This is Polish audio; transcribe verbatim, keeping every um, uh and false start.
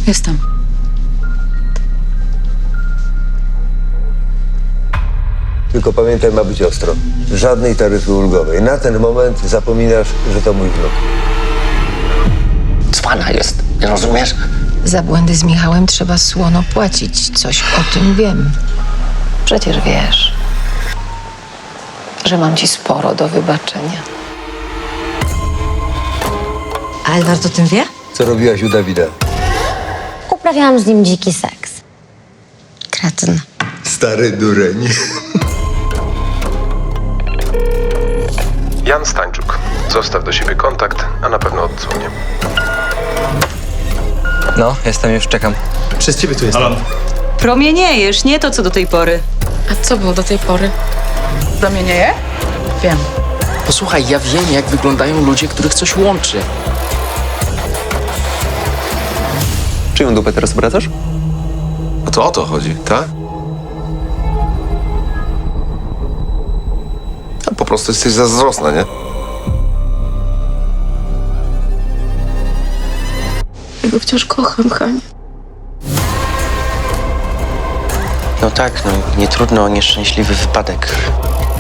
Jestem. Tylko pamiętaj, ma być ostro. Żadnej taryfy ulgowej. Na ten moment zapominasz, że to mój wnuk. Cwana jest, nie rozumiesz? Za błędy z Michałem trzeba słono płacić. Coś o tym wiem. Przecież wiesz, że mam ci sporo do wybaczenia. A Edward o tym wie? Co robiłaś u Dawida? Uprawiałam z nim dziki seks. Kretyn. Stary dureń. Jan Stańczuk. Zostaw do siebie kontakt, a na pewno odzwonię. No, jestem już, czekam. Przez ciebie tu jestem. Promieniejesz, nie to co do tej pory. A co było do tej pory? Zamienieje? Wiem. Posłuchaj, ja wiem, jak wyglądają ludzie, których coś łączy. Czyją dupę teraz obracasz? No to o to chodzi, tak? A po prostu jesteś zazdrosna, nie? Ja go wciąż kocham, Hania. No tak, no nie trudno o nieszczęśliwy wypadek.